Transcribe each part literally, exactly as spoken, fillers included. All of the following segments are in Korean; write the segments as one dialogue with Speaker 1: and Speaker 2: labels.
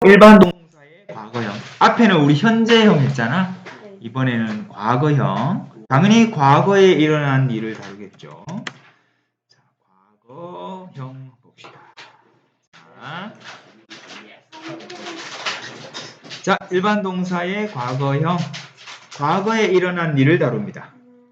Speaker 1: 일반 동사의 과거형. 앞에는 우리 현재형 했잖아. 이번에는 과거형. 당연히 과거에 일어난 일을 다루겠죠. 자, 과거형 봅시다. 자, 자, 일반 동사의 과거형. 과거에 일어난 일을 다룹니다.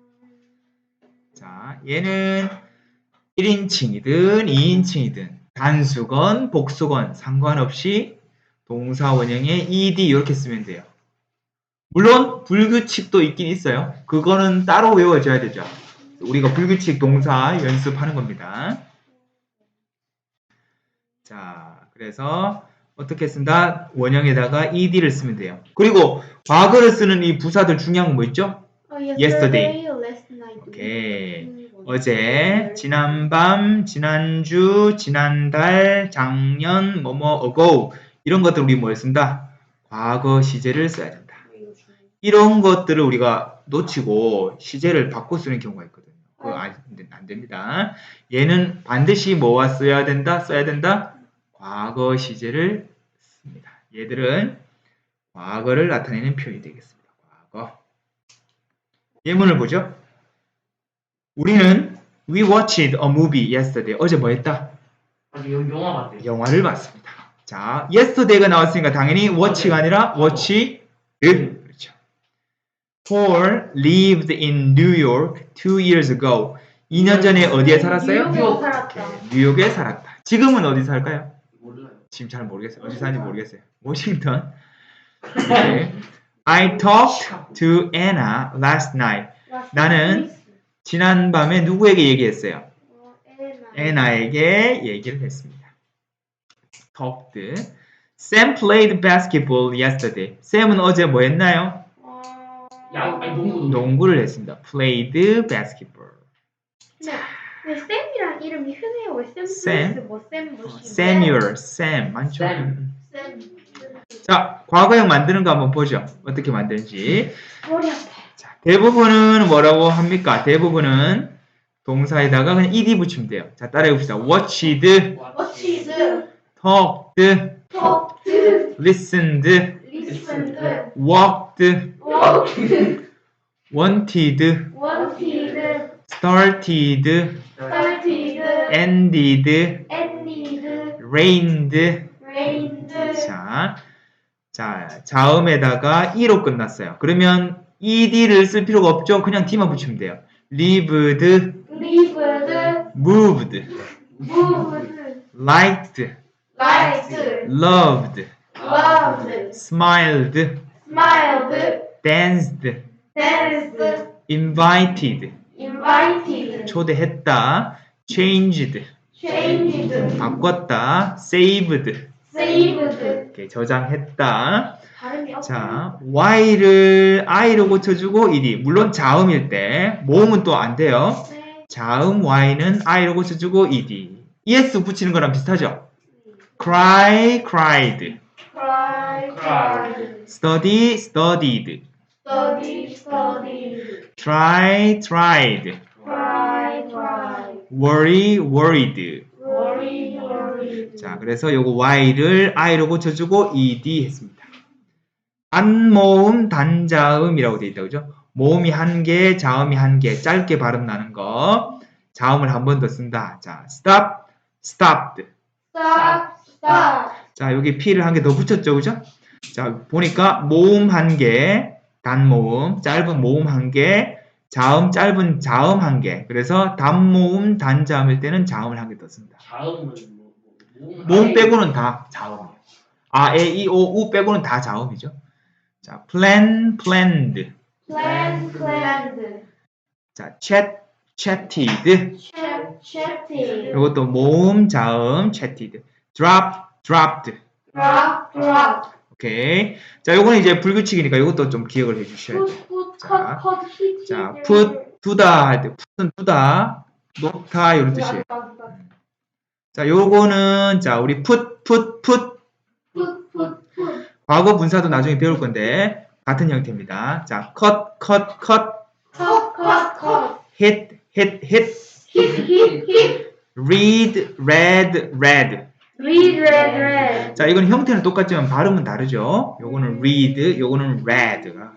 Speaker 1: 자, 얘는 일 인칭이든 이 인칭이든 단수건 복수건 상관없이 동사 원형에 ed 이렇게 쓰면 돼요. 물론 불규칙도 있긴 있어요. 그거는 따로 외워줘야 되죠. 우리가 불규칙 동사 연습하는 겁니다. 자, 그래서 어떻게 쓴다? 원형에다가 ed를 쓰면 돼요. 그리고 과거를 쓰는 이 부사들 중요한 건 뭐 있죠? yesterday. 오케이. 어제, 지난밤, 지난주, 지난달, 작년, 뭐뭐 ago 이런 것들 우리 뭘 쓴다? 과거 시제를 써야 된다. 이런 것들을 우리가 놓치고 시제를 바꿔 쓰는 경우가 있거든요. 그거 안, 안 됩니다. 얘는 반드시 뭐와 써야 된다? 써야 된다? 과거 시제를 씁니다. 얘들은 과거를 나타내는 표현이 되겠습니다. 과거. 예문을 보죠. 우리는 We watched a movie yesterday. 어제 뭐 했다?
Speaker 2: 아니, 영화 봤대.
Speaker 1: 영화를 봤습니다. 자, yesterday가 나왔으니까 당연히 watch가 아니라 watched. 그렇죠. Paul lived in New York two years ago. 이 년 전에 어디에 살았어요?
Speaker 3: 뉴욕에 살았다.
Speaker 1: 뉴욕에 살았다. 지금은 어디 살까요?
Speaker 2: 몰라요.
Speaker 1: 지금 잘 모르겠어요. 어디 사는지 모르겠어요. 워싱턴. 네. I talked to Anna last night. 나는 지난밤에 누구에게 얘기했어요? 애나에게 얘기를 했습니다. talked. Sam played basketball yesterday. 샘은 어제 뭐 했나요?
Speaker 2: 야, 아니 농구.
Speaker 1: 농구를 했습니다. played basketball.
Speaker 3: 네. 왜 쌤이랑 이름이 흔해요? 왜 쌤?
Speaker 1: 샘?
Speaker 3: 뭐 쌤? 뭐 씨?
Speaker 1: Samuel, Sam 많죠?
Speaker 2: 샘.
Speaker 3: 쌤.
Speaker 1: 자, 과거형 만드는 거 한번 보죠. 어떻게 만드는지.
Speaker 3: 머리 아파.
Speaker 1: 자, 대부분은 뭐라고 합니까? 대부분은 동사에다가 그냥 ed 붙이면 돼요. 자, 따라해 봅시다. watched,
Speaker 3: 워치드,
Speaker 1: talked,
Speaker 3: 톡드,
Speaker 1: listened,
Speaker 3: 리슨드,
Speaker 1: walked,
Speaker 3: 워크드,
Speaker 1: wanted,
Speaker 3: 원티드,
Speaker 1: started,
Speaker 3: 스타티드,
Speaker 1: ended,
Speaker 3: 엔니드,
Speaker 1: reigned.
Speaker 3: 레인드.
Speaker 1: 자, 자, 자음에다가 e로 끝났어요. 그러면 ed를 쓸 필요가 없죠. 그냥 d만 붙이면 돼요. lived,
Speaker 3: 리브드,
Speaker 1: moved,
Speaker 3: 무브드,
Speaker 1: liked,
Speaker 3: 라이트,
Speaker 1: loved,
Speaker 3: 러브드,
Speaker 1: smiled,
Speaker 3: 스마일드,
Speaker 1: danced,
Speaker 3: 댄스드,
Speaker 1: invited,
Speaker 3: 인바이티드,
Speaker 1: 초대했다, changed,
Speaker 3: 체인지드,
Speaker 1: 바꿨다, saved,
Speaker 3: 세이브드.
Speaker 1: 이렇게 저장했다.
Speaker 3: 발음이 없어.
Speaker 1: 자, y를 i로 고쳐주고 ed. 물론 자음일 때 모음은 또 안 돼요.
Speaker 3: 네.
Speaker 1: 자음 y는 i로 고쳐주고 ed. es 붙이는 거랑 비슷하죠? cry, cried,
Speaker 3: Cry, cried.
Speaker 1: study, studied,
Speaker 3: Study, studied.
Speaker 1: try, tried,
Speaker 3: Cry, cried.
Speaker 1: worry, worried.
Speaker 3: Worry, worried.
Speaker 1: 자, 그래서 요거 y를 i로 고쳐주고 ed 했습니다. 단모음, 단자음이라고 되어 있다, 그죠? 모음이 한 개, 자음이 한 개, 짧게 발음 나는 거. 자음을 한 번 더 쓴다. 자, stop, stopped.
Speaker 3: Stop, stop.
Speaker 1: 자, 여기 p를 한 개 더 붙였죠, 그죠? 자, 보니까 모음 한 개, 단모음, 짧은 모음 한 개, 자음, 짧은 자음 한 개. 그래서 단모음, 단자음일 때는 자음을 한 개 더 쓴다.
Speaker 2: 자음은 뭐, 뭐,
Speaker 1: 모음 빼고는 다 자음이에요. 아, 에, 이, 오, 우 빼고는 다 자음이죠. 자, plan, planned.
Speaker 3: Plan, planned.
Speaker 1: 자, chat, chatted.
Speaker 3: Chat, chatted.
Speaker 1: 이것도 모음, 자음, chatted. drop, dropped.
Speaker 3: Drop, drop.
Speaker 1: 오케이. 자, 요거는 이제 불규칙이니까 이것도 좀 기억을 해 주셔야 돼요.
Speaker 3: Put, put,
Speaker 1: 자,
Speaker 3: cut, cut, hit,
Speaker 1: 자,
Speaker 3: hit.
Speaker 1: put, 두다 할 때, put은 두다, 놓다, 이런 뜻이에요. 자, 요거는, 자, 우리 put, put, put.
Speaker 3: Put, put, put.
Speaker 1: 과거 분사도 나중에 배울 건데, 같은 형태입니다. 자, cut, cut, cut.
Speaker 3: Cut, cut, cut.
Speaker 1: hit, hit, hit.
Speaker 3: Hit, hit, hit.
Speaker 1: read, read, read.
Speaker 3: read, read, read.
Speaker 1: 자, 이건 형태는 똑같지만 발음은 다르죠. 요거는 read, 요거는 read가.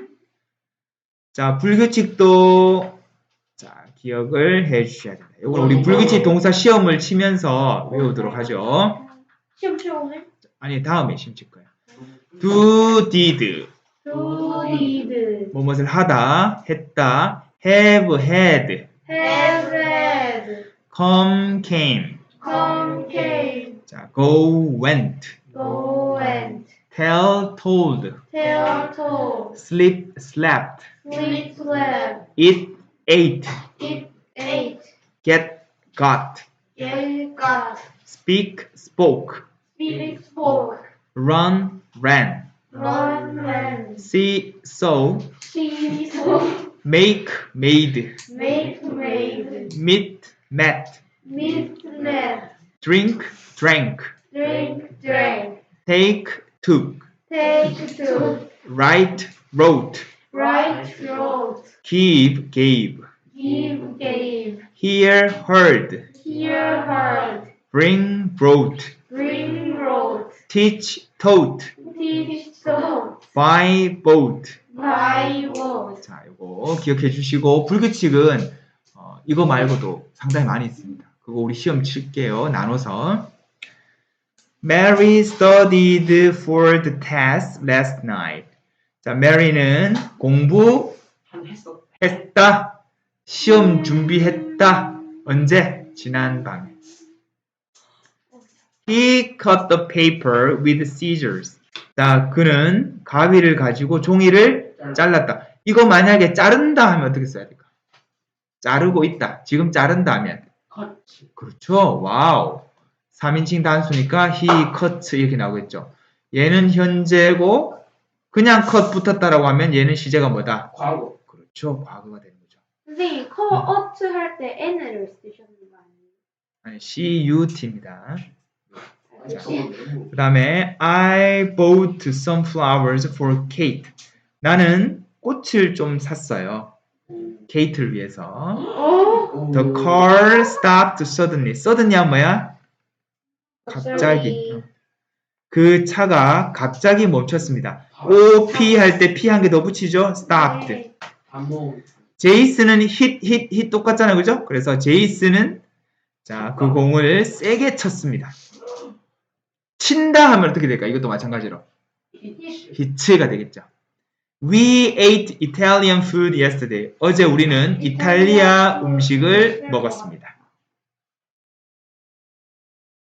Speaker 1: 자, 불규칙도 자, 기억을 해 주셔야 됩니다. 요거는 우리 불규칙 동사 시험을 치면서 외우도록 하죠.
Speaker 3: 시험 시험 오늘?
Speaker 1: 아니, 다음에 시험 칠 거예요. do, did.
Speaker 3: do, did,
Speaker 1: 뭐뭇을 하다, 했다. have, had.
Speaker 3: have, had,
Speaker 1: come, came.
Speaker 3: come, came,
Speaker 1: 자, go, went.
Speaker 3: go, went,
Speaker 1: tell, told.
Speaker 3: tell, told,
Speaker 1: sleep, slept.
Speaker 3: sleep, slept,
Speaker 1: eat, ate.
Speaker 3: eat, ate,
Speaker 1: get, got.
Speaker 3: get, got,
Speaker 1: speak, spoke.
Speaker 3: speak, spoke,
Speaker 1: run, ran.
Speaker 3: run, ran,
Speaker 1: see, saw.
Speaker 3: see, saw,
Speaker 1: make, made.
Speaker 3: make, made,
Speaker 1: meet, met.
Speaker 3: meet, met,
Speaker 1: drink, drank.
Speaker 3: drink, drank,
Speaker 1: take, took.
Speaker 3: take, took,
Speaker 1: write, wrote.
Speaker 3: write, wrote,
Speaker 1: give, gave.
Speaker 3: give, gave,
Speaker 1: hear, heard.
Speaker 3: hear, heard,
Speaker 1: bring, brought.
Speaker 3: bring, wrote,
Speaker 1: teach, taught.
Speaker 3: teach, taught,
Speaker 1: buy, bought.
Speaker 3: buy, bought.
Speaker 1: 자, 이거 기억해 주시고 불규칙은 어, 이거 말고도 상당히 많이 있습니다. 그거 우리 시험 칠게요. 나눠서. Mary studied for the test last night. 자, Mary는 공부
Speaker 2: 한 했어.
Speaker 1: 했다. 시험 준비했다. 언제? 지난 밤에. He cut the paper with scissors. 자, 그는 가위를 가지고 종이를 잘랐다. 이거 만약에 자른다 하면 어떻게 써야 될까? 자르고 있다. 지금 자른다 하면.
Speaker 2: 컷.
Speaker 1: 그렇죠. 와우. 삼인칭 단수니까 he cut 이렇게 나오겠죠. 얘는 현재고 그냥 cut 붙었다라고 하면 얘는 시제가 뭐다?
Speaker 2: 과거.
Speaker 1: 그렇죠. 과거가 되는 거죠.
Speaker 3: 선생님, cut 할 때 n을 쓰셨는 거 아니에요?
Speaker 1: 아니, cut입니다.
Speaker 2: 아니, 저거
Speaker 1: 그 다음에 I bought some flowers for Kate. 나는 꽃을 좀 샀어요. 케이트를 위해서.
Speaker 3: 어?
Speaker 1: The car stopped suddenly. suddenly야 뭐야? 갑자기. 어. 그 차가 갑자기 멈췄습니다. O, P 할 때 P 한 개 더 붙이죠? stopped.
Speaker 3: 네.
Speaker 2: 반복.
Speaker 1: 제이슨은 hit, hit, hit 똑같잖아요. 그죠? 그래서 제이슨은 자, 그 공을 세게 쳤습니다. 친다 하면 어떻게 될까? 이것도 마찬가지로. hit가 되겠죠. We ate Italian food yesterday. 어제 우리는 이탈리아 음식을 먹었습니다.